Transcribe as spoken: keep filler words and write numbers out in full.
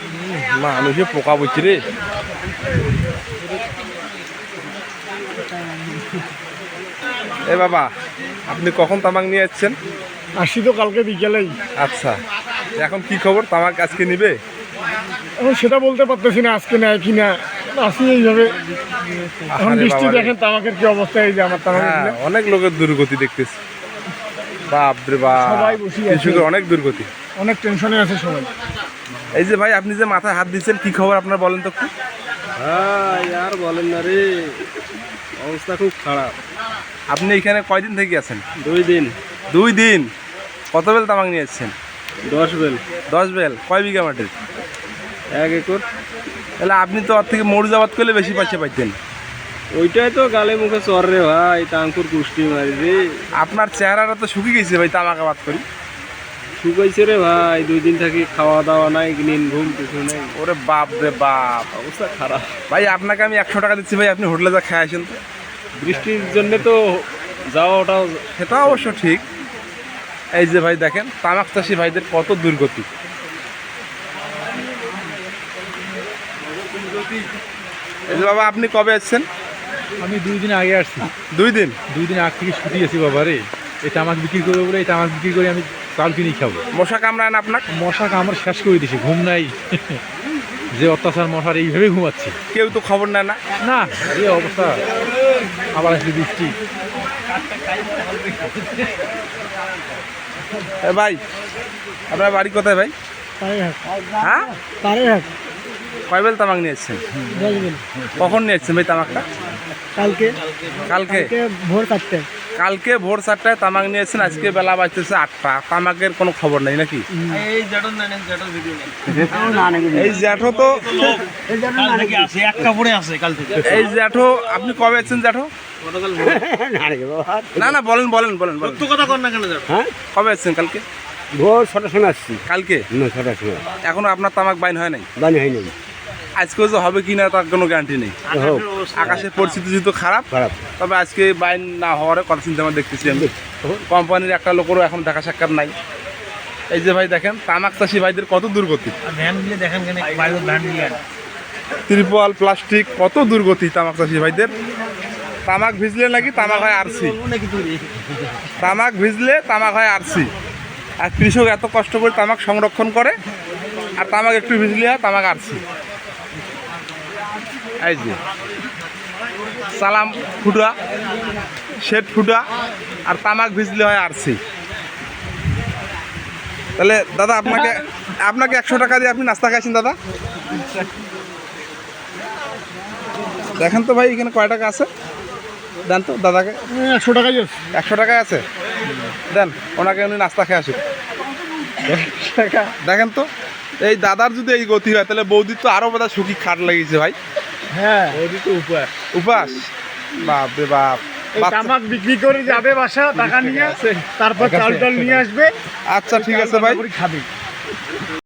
মানুষে পোকা বুঝছি রে। এ বাবা, আপনি কখন তামাক নিয়ে যাচ্ছেন? আসি তো কালকে বিকেলেই। আচ্ছা, এখন কি খবর, তামাক আজকে নিবে? এখন সেটা বলতে পারতেছি না আজকে নেয় কি না। আসি এইভাবে। এখন আরে বৃষ্টি বাবা রে। দেখেন তামাকের কি অবস্থা, এই যে আমার তামাক হ্যাঁ, অনেক লোকের দুর্গতি দেখতেছি। বাপ রে বাপ, সবাই বসে আছে। কৃষকের অনেক দুর্গতি। অনেক টেনশনে আছে সবাই। এই যে ভাই, আপনি যে মাথায় হাত দিচ্ছেন, কি খবর আপনার বলেন তো একটু। ভাই আর বলেন না রে, অবস্থা খুব খারাপ। আপনি এখানে কয়দিন থেকে আছেন? দুই দিন। দুই দিন? কত বেল তামাক নিয়ে এসছেন? দশ বেল। দশ বেল? কয় বিঘা মাটির? এক একর। তাহলে আপনি তো ওর থেকে মরুজাবাদ করলে বেশি পয়সা পাইতেন। ওইটাই তো গালে মুখে চর রে ভাই, টাঙ্কুর কুষ্টি মারি রে। আপনার চেহারাটা তো শুকিয়ে গেছে ভাই, তামাক আবাদ করি। শুকাইছে রে ভাই, দুই দিন থাকি খাওয়া দাওয়া নাই, নিন ঘুম কিছু নেই, ওরে বাপ রে বাপ, অবস্থা খারাপ। ভাই আপনাকে আমি একশো টাকা দিচ্ছি ভাই, আপনি হোটেলে যা খেয়ে আসেন তো। বৃষ্টির জন্য তো যাওয়া ওটাও। সেটা অবশ্য ঠিক। এই যে ভাই দেখেন, তামাক চাষি ভাইদের কত দুর্গতি। এই যে বাবা, আপনি কবে আসছেন? আমি দুই দিন আগে আসছি। দুই দিন? দুই দিন আগ থেকে ছুটি আছি বাবা রে। এই তামাক বিক্রি করবো বলে এই তামাক বিক্রি করে আমি চাল কিনে খাবো। মশা কামড়ায় না আপনার? মশা কামড় শেষ করে দিছে, ঘুম নাই। যে অত্যাচার মশার, এইভাবে ঘুমাচ্ছি। কেউ তো খবর নেয় না। না, এই অবস্থা। আবার আসলে বৃষ্টি। এ ভাই, আপনার বাড়ি কোথায় ভাই? হ্যাঁ, কয় বেল তামাক নিয়ে এসছেন? কখন নিয়ে এসছেন ভাই তামাকটা? কালকে কালকে? ভোর চারটে। কালকে ভোর চারটায় তামাক নিয়ে এসছেন, আজকে বেলা বাজতেছে আটটা, তামাকের কোনো খবর নেই নাকি? এই জ্যাঠো তো, এই জ্যাঠো আপনি কবে এসছেন জ্যাঠো? না না, বলেন বলেন বলেন বলেন। হ্যাঁ, কবে এসছেন? কালকে ভোর ছটার সময় আসছি। কালকে না, ছটার সময় এখনো আপনার তামাক বাইন হয় নাই? বানি হয়নি। আজকেও যে হবে কি না তার কোনো গ্যারান্টি নেই। হোক, আকাশের পরিস্থিতি যেহেতু খারাপ, খারাপ। তবে আজকে বাইন না হওয়ার কথা চিন্তা আমরা দেখতেছি। আমি কোম্পানির একটা লোকেরও এখন দেখা সাক্ষাৎ নাই। এই যে ভাই দেখেন, তামাক চাষি ভাইদের কত দুর্গতি। ত্রিপল প্লাস্টিক, কত দুর্গতি তামাক চাষি ভাইদের। তামাক ভিজলে নাকি তামাক হয় আরসি, তামাক ভিজলে তামাক হয় আরসি। আর কৃষক এত কষ্ট করে তামাক সংরক্ষণ করে, আর তামাক একটু ভিজলে হয় তামাক আরসি। এই যে সালাম ফুটা, শেড ফুটা, আর তামাক ভিজলে হয় আরসি। তাহলে দাদা, আপনাকে আপনাকে একশো টাকা দিয়ে আপনি নাস্তা খাইছেন দাদা? দেখেন তো ভাই, এখানে কয় টাকা আছে দেন তো দাদাকে। একশো টাকাই একশো টাকায় আছে, দেন ওনাকে, উনি নাস্তা খেয়ে আসুক। দেখেন তো, এই দাদার যদি এই গতি হয়, তাহলে বৌদির তো আরো বোধহয় সুখী খাট লাগিয়েছে ভাই। হ্যাঁ, উপাস উপাস, বাপ রে বাপ। তামাক বিক্রি করে যাবে বাসা, টাকা নিয়ে, তারপর চাল টাল নিয়ে আসবে। আচ্ছা ঠিক আছে ভাই, খাবে।